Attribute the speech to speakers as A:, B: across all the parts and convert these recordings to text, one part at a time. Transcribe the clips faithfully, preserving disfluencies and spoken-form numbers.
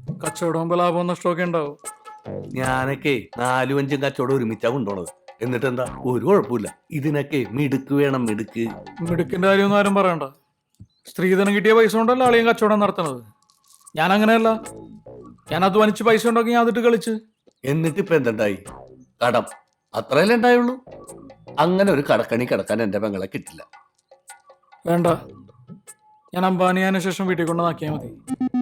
A: കച്ചവടം ലാഭം നഷ്ടമൊക്കെ ഉണ്ടാവും.
B: ഞാനൊക്കെ നാലും അഞ്ചും കച്ചവടം ഒരുമിച്ചാ കൊണ്ടുപോണത്. എന്നിട്ട് എന്താ ഒരു കുഴപ്പമില്ല. ഇതിനൊക്കെ മിടുക്ക് വേണം, മിടുക്ക്.
A: മിടുക്കിന്റെ കാര്യമൊന്നും ആരും പറയണ്ട. സ്ത്രീധനം കിട്ടിയ പൈസ കൊണ്ടല്ല അളിയും കച്ചവടം നടത്തണത്. ഞാൻ അങ്ങനെയല്ല. ഞാൻ അധ്വാനിച്ച് പൈസ ഉണ്ടാക്കി ഞാൻ അതിട്ട് കളിച്ച്.
B: എന്നിട്ട് ഇപ്പൊ എന്തുണ്ടായി? കടം അത്രയല്ലേ ഉണ്ടായുള്ളൂ. അങ്ങനെ ഒരു കടക്കണി കിടക്കാൻ എന്റെ പെങ്ങളെ കിട്ടില്ല.
A: വേണ്ട, ഞാൻ അംബാനിയാന് ശേഷം വീട്ടിൽ കൊണ്ട് നാക്കിയാൽ മതി.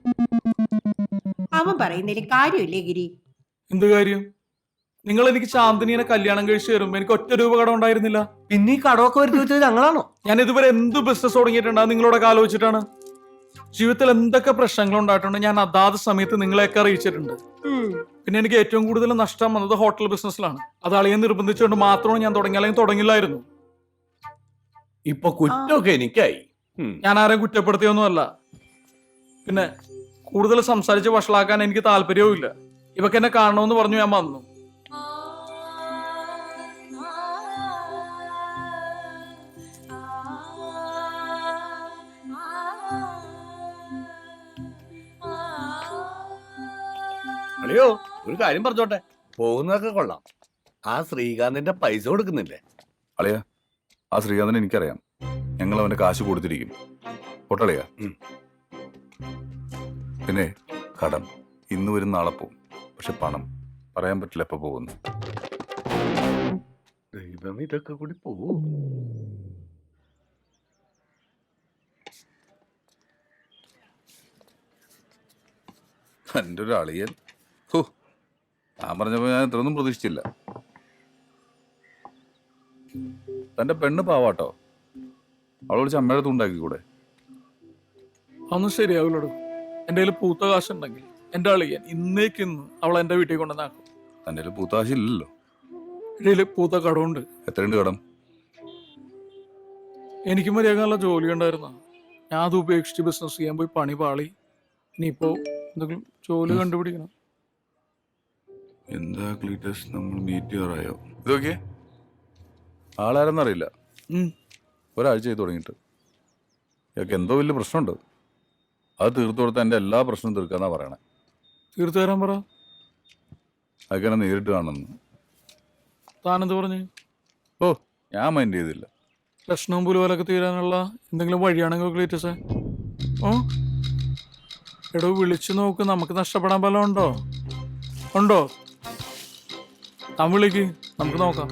C: അവൻ പറയുന്നതിൽ കാര്യമില്ലേ ഗിരി?
A: എന്ത് കാര്യം? നിങ്ങൾ എനിക്ക് ചാന്ദിനിയെ കല്യാണം കഴിച്ച് തരുമ്പോ എനിക്ക് ഒറ്റ രൂപ കടം ഉണ്ടായിരുന്നില്ല.
B: പിന്നെ ഈ കടമൊക്കെ വരുത്തി വെച്ചത് ഞങ്ങളാണോ?
A: ഞാൻ ഇതുവരെ എന്ത് ബിസിനസ് തുടങ്ങിയിട്ടുണ്ടാ നിങ്ങളോടൊക്കെ ആലോചിച്ചിട്ടാണ്. ജീവിതത്തിൽ എന്തൊക്കെ പ്രശ്നങ്ങൾ ഉണ്ടായിട്ടുണ്ട് ഞാൻ അതാത് സമയത്ത് നിങ്ങളെയൊക്കെ അറിയിച്ചിട്ടുണ്ട്. പിന്നെ എനിക്ക് ഏറ്റവും കൂടുതൽ നഷ്ടം വന്നത് ഹോട്ടൽ ബിസിനസ്സിലാണ്. അത് അളിയെ നിർബന്ധിച്ചുകൊണ്ട് മാത്രമാണ് ഞാൻ തുടങ്ങി, അല്ലെങ്കിൽ തുടങ്ങില്ലായിരുന്നു.
B: ഇപ്പൊ കുറ്റമൊക്കെ എനിക്കായി.
A: ഞാൻ ആരെയും കുറ്റപ്പെടുത്തിയൊന്നുമല്ല. പിന്നെ കൂടുതൽ സംസാരിച്ച് വഷളാക്കാൻ എനിക്ക് താല്പര്യവും ഇല്ല. ഇവക്ക് എന്നെ കാണണമെന്ന് പറഞ്ഞു ഞാൻ വന്നു.
B: അളിയോ, ഒരു കാര്യം പറഞ്ഞോട്ടെ. പോകുന്നതൊക്കെ കൊള്ളാം. ആ ശ്രീകാന്തിന്റെ പൈസ കൊടുക്കുന്നില്ലേ?
D: അളിയ, ആ ശ്രീകാന്തിനെ എനിക്കറിയാം. ഞങ്ങൾ അവന്റെ കാശ് കൊടുത്തിരിക്കും. പൊട്ടളിയാ. പിന്നെ കടം ഇന്ന് വരും നാളെ പോവും. പക്ഷെ പണം പറയാൻ പറ്റില്ല എപ്പോ പോകുന്നു.
B: ദൈവം, ഇതൊക്കെ കൂടി പോവും.
D: എൻ്റെ ഒരു അളിയൻ. ഹോ, ഞാൻ പറഞ്ഞപ്പോ ഞാൻ ഇത്രയൊന്നും പ്രതീക്ഷിച്ചില്ല. തന്റെ പെണ്ണ് പാവാട്ടോ. അവൾ വിളിച്ച് അമ്മയുടെ അടുത്ത് കൂടെ?
A: അതൊന്നും ശരിയാവില്ലടോ. എൻ്റെ കയ്യിൽ പൂത്ത കാശുണ്ടെങ്കിൽ എൻ്റെ അളിയൻ ഇന്നേക്കിന്ന് അവൾ എൻ്റെ വീട്ടിൽ കൊണ്ടുവന്നാക്കും.
D: തന്റെ കയ്യിൽ പൂത്ത കാശില്ലല്ലോ.
A: എൻ്റെ പൂത്ത കടമുണ്ട്.
D: എത്രയുണ്ട് കടം?
A: എനിക്ക് മര്യാദ നല്ല ജോലി ഉണ്ടായിരുന്ന ഞാൻ അത് ഉപേക്ഷിച്ച് ബിസിനസ് ചെയ്യാൻ പോയി പണി പാളി. ഇനിയിപ്പോ എന്തെങ്കിലും ജോലി കണ്ടുപിടിക്കണം.
D: എന്താ ക്ലീറ്റസ്, നമ്മൾ മീറ്റ് ചെയ്യാറായോ? ഇതൊക്കെ ആളാരെന്നറിയില്ല. ഒരാഴ്ച ചെയ്ത് തുടങ്ങിയിട്ട് ഇതൊക്കെ എന്തോ വലിയ പ്രശ്നമുണ്ട്. അത് തീർത്തു കൊടുത്താൽ എൻ്റെ എല്ലാ പ്രശ്നവും തീർക്കാന്നാ പറയണേ.
A: തീർത്തു തരാൻ പറ.
D: അതൊക്കെ എന്നെ നേരിട്ട് കാണുന്നു.
A: താനെന്ത് പറഞ്ഞു?
D: ഓ, ഞാൻ മൈൻഡ് ചെയ്തില്ല.
A: പ്രശ്നവും പുലുപോലൊക്കെ തീരാനുള്ള എന്തെങ്കിലും വഴിയാണെങ്കിൽ ക്ലീറ്റസേ. ഓ എടോ, വിളിച്ചു നോക്ക്. നമുക്ക് നഷ്ടപ്പെടാൻ വല്ലതും ഉണ്ടോ? ഉണ്ടോ? താൻ വിളിക്ക്, നമുക്ക് നോക്കാം.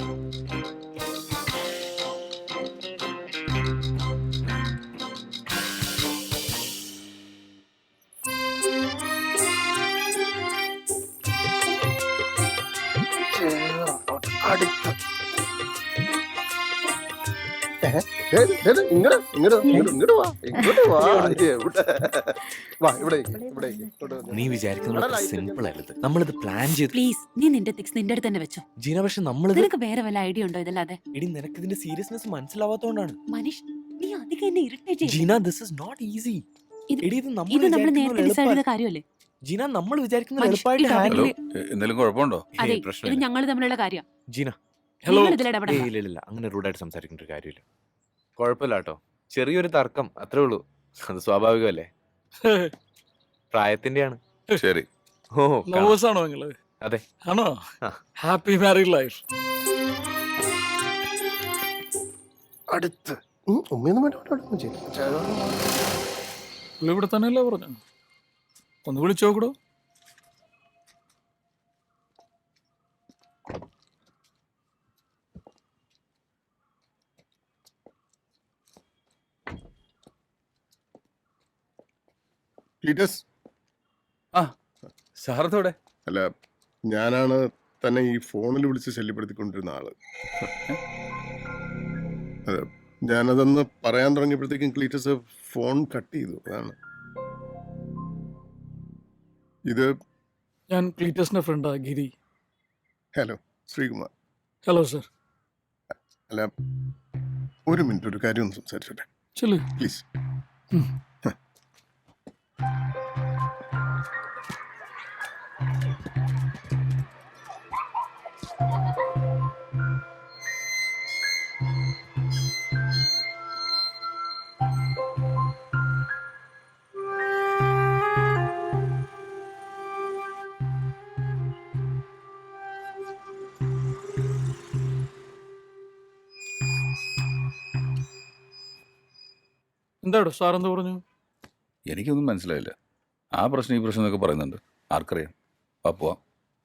E: നീ വിചാരിക്കുന്നത് സിമ്പിൾ ആയിരുന്നു. നമ്മളിത് പ്ലാൻ ചെയ്തു.
F: പ്ലീസ്, നീ നിന്റെ തിക്സ് നിന്റെ അടുത്ത് തന്നെ വെച്ചോ.
E: ജീന, പക്ഷെ നമ്മൾ
F: നിനക്ക് വേറെ വല്ല ഐഡിയ ഉണ്ടോ ഇതല്ലാതെ?
E: എടി, നിനക്ക് ഇതിന്റെ സീരിയസ്നെസ് മനസ്സിലാവാത്തോണ്ടാണ്.
F: മനീഷ്, നീ അധികം എന്നെ ഇറിറ്റേറ്റ് ചെയ്യ്.
E: Jeena, this is not easy. എടി, ഇത് നമ്മൾ
F: ഇത് നമ്മൾ നേരത്തെ ഡിസൈഡ് ചെയ്ത കാര്യമല്ലേ?
E: ജീന, നമ്മൾ വിചാരിക്കുന്നത്
F: മനീഷ്,
E: എളുപ്പമായിട്ട്
F: ഇതാ.
E: ഹാൻഡിൽ.
D: എന്തെങ്കിലും കുഴപ്പമുണ്ടോ?
F: അതെ, ഇത് ഞങ്ങൾ തമ്മിലുള്ള കാര്യം.
E: ജീന,
A: ഹലോ.
E: ഏയ് ഇല്ല ഇല്ല, അങ്ങനെ റൂഡായിട്ട് സംസാരിക്കേണ്ട ഒരു കാര്യമില്ല. കുഴപ്പമില്ല കേട്ടോ, ചെറിയൊരു തർക്കം അത്രേ ഉള്ളൂ. അത് സ്വാഭാവികമല്ലേ, പ്രായത്തിന്റെയാണ്.
D: ശരി.
E: ഓ,
A: ലവേഴ്സ് ആണോ നിങ്ങള്?
E: അതെ.
A: ആണോ?
E: ആ.
A: Happy married life.
G: അടുത്ത് ഉമ്മയൊന്നും വേണ്ട.
A: ഇവിടെ തന്നെയല്ലേ പറഞ്ഞു? ഒന്ന് വിളിച്ചു നോക്കടോ.
G: ക്ലീറ്റസ്,
D: ആ, സാറത്തോടെ?
G: അല്ല, ഞാനാണ് തന്നെ ഈ ഫോണിൽ വിളിച്ച് ശല്യപ്പെടുത്തിക്കൊണ്ടിരുന്ന ആള്. അതെ, ഞാനതൊന്ന് പറയാൻ തുടങ്ങിയപ്പോഴത്തേക്കും ക്ലീറ്റസ് ഫോൺ കട്ട് ചെയ്തു. അതാണ് ഇത്.
A: ഞാൻ ക്ലീറ്റസിന്റെ ഫ്രണ്ടാ, Giri.
G: Hello, Sreekumar.
A: Hello sir.
G: അല്ല, ഒരു മിനിറ്റ്, ഒരു കാര്യം ഒന്ന് സംസാരിച്ചോട്ടെ
A: ചെല്ലു
G: പ്ലീസ്.
A: എന്താടോ സാർ എന്ത് പറഞ്ഞു?
D: എനിക്കൊന്നും മനസ്സിലായില്ല. ആ പ്രശ്നം ഈ പ്രശ്നം എന്നൊക്കെ പറയുന്നുണ്ട്. ആർക്കറിയാം. വാ പോവാം.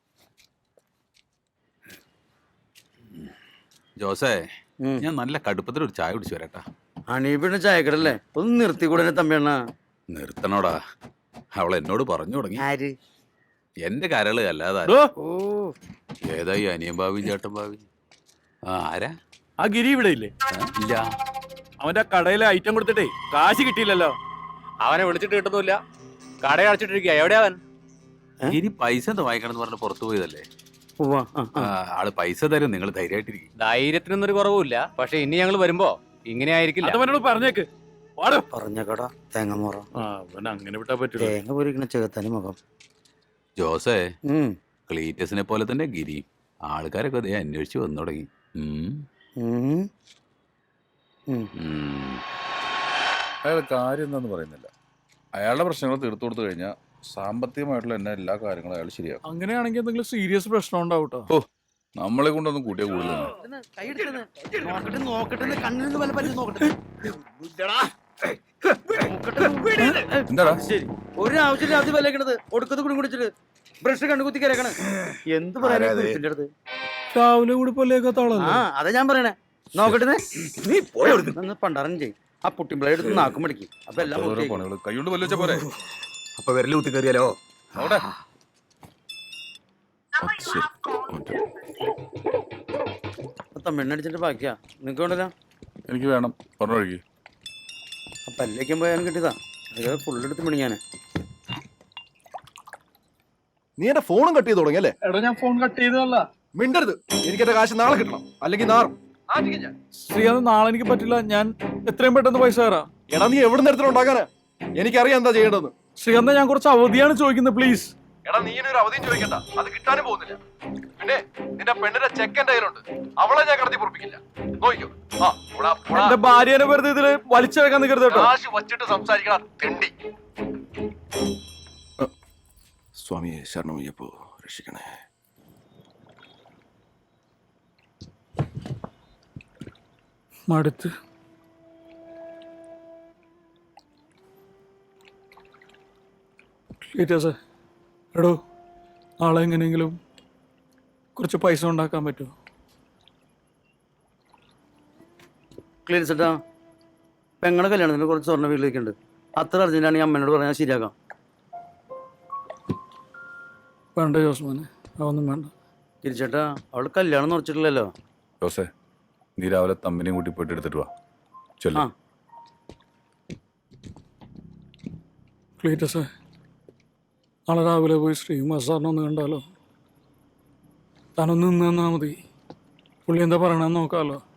H: ജോസേ, ഞാൻ നല്ല കടുപ്പത്തിൽ ഒരു ചായ കുടിച്ചു വരാട്ടാ.
I: അണീപിന്റെ ചായക്കടല്ലേ, ഒന്ന് നിർത്തിക്കൂടെ തമ്പിയണ്ണ?
H: നിർത്തണോടാ, അവൾ എന്നോട് പറഞ്ഞു തുടങ്ങി.
I: ആര്?
H: എന്റെ കരള് അല്ലാതെ
A: ഡോ,
I: ഓ
H: ഏതായി അനിയൻ ഭാവി ചേട്ടൻ ഭാവി? ആ ആരാ?
A: ആ ഗിരി ഇവിടെ ഇല്ലേ?
H: ഇല്ല.
A: അവന്റെ കടയിലെ ഐറ്റം കൊടുത്തിട്ടേ കാശ് കിട്ടിയില്ലല്ലോ.
E: അവനെ വിളിച്ചിട്ട് കിട്ടുന്നില്ല, കട അടച്ചിട്ടിരിക്കുക. എവിടെയാ അവൻ?
H: ഇനി പൈസ എന്താ വാങ്ങിക്കണം എന്ന് പറഞ്ഞ് പുറത്തു പോയതല്ലേ.
I: ഉവ്വ, ആ, ആ.
H: ആ, ആള് പൈസ തരും, നിങ്ങൾ ധൈര്യമായിട്ടിരിക്കും.
E: ധൈര്യത്തിനൊന്നും ഒരു കുറവുമില്ല. പക്ഷെ ഇനി ഞങ്ങൾ വരുമ്പോ ഇങ്ങനെ ആയിരിക്കില്ല.
A: അതവനോട് പറഞ്ഞേക്ക്. വാടോ.
I: പറഞ്ഞ കട തേങ്ങമുറ
A: ആ, അവൻ അങ്ങനെ വിട്ടാ പറ്റില്ല.
I: തേങ്ങ പൊരിക്കണ ചേത്താനും മുഖം.
H: ജോസേ,
I: ഉം,
H: ക്ലീറ്റസിനെ പോലെ തന്നെ ഗിരി. ആൾക്കാരൊക്കെ അതേ അന്വേഷിച്ച് വന്നു തുടങ്ങി. ഉം.
I: ഉം, ഉം.
H: ഉം.
D: അയാൾ കാര്യം എന്താന്ന് പറയുന്നില്ല. അയാളുടെ പ്രശ്നങ്ങൾ തീർത്തു കൊടുത്തു കഴിഞ്ഞാൽ സാമ്പത്തികമായിട്ടുള്ള എന്നെ എല്ലാ കാര്യങ്ങളും അയാൾ ശരിയാക്കും.
A: അങ്ങനെയാണെങ്കിൽ എന്തെങ്കിലും സീരിയസ് പ്രശ്നം ഉണ്ടാവും കേട്ടോ.
D: ഓ, നമ്മളെ കൊണ്ടൊന്നും കൂട്ടിയ കൂടുതലാണ്.
I: കൈ എടുക്കണ്. നോക്കട്ടെ നോക്കട്ടെ കണ്ണിൽ നിന്ന് വല്ല പറ്റി നോക്കട്ടെ.
D: എന്താടാ?
I: ശരി, ഒരു ആവശ്യമില്ല അത് വിലക്കണത് ഒടുക്കത്ത് കുടി കുടിച്ചിട്ട് ബ്രഷ് കണ്ണു കുത്തി കരക്കണ്. എന്ത് പറയാനാ ഇതിന്റെ അടുത്ത്?
A: രാവിലെ കൂടി പൊല്ലേക്കാത്ത
I: ആ
A: ആളല്ലേ?
I: അതാ ഞാൻ പറയണേ. നോക്കട്ടെ നീ പോയി പണ്ടാരം ചെയ്യും. ആ പുട്ടിമ്പിള എടുത്ത് നാക്കും മടിക്കും. അപ്പൊ എല്ലാം
D: ഓരോ
I: പൂർത്തിയായി.
D: പണികൾ കൈകൊണ്ട് വല്ല വെച്ച പോരെ.
H: അപ്പൊ വിരല് കുത്തി കയറിയാലോ?
D: അവിടെ
I: തമിഴ്നടിച്ചിട്ട് ബാക്കിയാ നിനക്ക് വേണ്ടല്ലോ.
D: എനിക്ക് വേണം. പറഞ്ഞു ഒഴുകി.
I: ആ പല്ലേക്കും പോയാലും കിട്ടിയതാ. അത് ഫുള്ളെടുത്ത് മിണിങ്ങാനെ.
J: നീ എന്റെ ഫോണും കട്ട് ചെയ്ത് തുടങ്ങിയല്ലേ?
A: എടാ ഞാൻ ഫോൺ കട്ട് ചെയ്തതല്ല.
J: മിണ്ടരുത്. എനിക്ക് എന്റെ കാശ് നാളെ കിട്ടണം, അല്ലെങ്കിൽ നാറും.
A: ശ്രീകാന്ത്, നാളെ എനിക്ക് പറ്റില്ല. ഞാൻ എത്രയും പെട്ടെന്ന് പൈസ തരാം.
J: എടാ നീ എവിടെ നിന്ന് ഉണ്ടാക്കാനാ? എനിക്കറിയാം എന്താ ചെയ്യേണ്ടതെന്ന്.
A: ശ്രീകാന്ത്, ഞാൻ കുറച്ച് അവധിയാണ് ചോദിക്കുന്നത്, പ്ലീസ്.
J: എടാ നീ ഒരു അവധിയും ചോദിക്കണ്ട, അത് കിട്ടാനും പോകുന്നില്ല. പിന്നെ നിന്റെ പെണ്ണിന്റെ ചെക്ക് എന്റെ കയ്യിലുണ്ട്, അവളെ ഞാൻ കടത്തി പൊറപ്പിക്കില്ല. നോക്കിക്കോ. ആ, പോടാ, പോടാ.
A: എന്റെ ഭാര്യനെ വെറുതെ ഇതില് വലിച്ചെടുക്കാൻ നിൽക്കരുത് കേട്ടോ.
J: കാശ് വച്ചിട്ട് സംസാരിക്കണം, തെണ്ടി. സ്വാമിയെ ശരണമയ്യപ്പോ രക്ഷിക്കണേ.
A: മടുത്ത്. ക്ലീറ്റസേ, എടോ, നാളെ എങ്ങനെയെങ്കിലും കുറച്ച് പൈസ ഉണ്ടാക്കാൻ പറ്റുമോ?
I: ക്ലിയർ സെറ്റാ. പെങ്ങളുടെ കല്യാണത്തിന് കുറച്ച് സ്വർണ്ണ വീട്ടിലേക്കുണ്ട്. അത്ര അർജന്റാണ് ഈ അമ്മേനോട് പറഞ്ഞാൽ ശരിയാക്കാം.
A: വേണ്ട ജോസ്മാനെ, അതൊന്നും വേണ്ട.
I: തിരിച്ചേട്ടാ, അവള് കല്യാണം ഉറച്ചിട്ടില്ലല്ലോ.
D: ജോസേ, നീ രാവിലെ തമ്മിനെയും കൂട്ടി പോയിട്ട് എടുത്തിട്ട് വാ. ചൊല്ലു.
I: ആ
A: ക്ലീറ്റസേ, നാളെ രാവിലെ പോയി ശ്രീകുമാർ സാറിനെ ഒന്ന് കണ്ടാലോ? താനൊന്ന് നിന്ന് തന്നാൽ മതി. പുള്ളി എന്താ പറയണമെന്ന് നോക്കാമല്ലോ.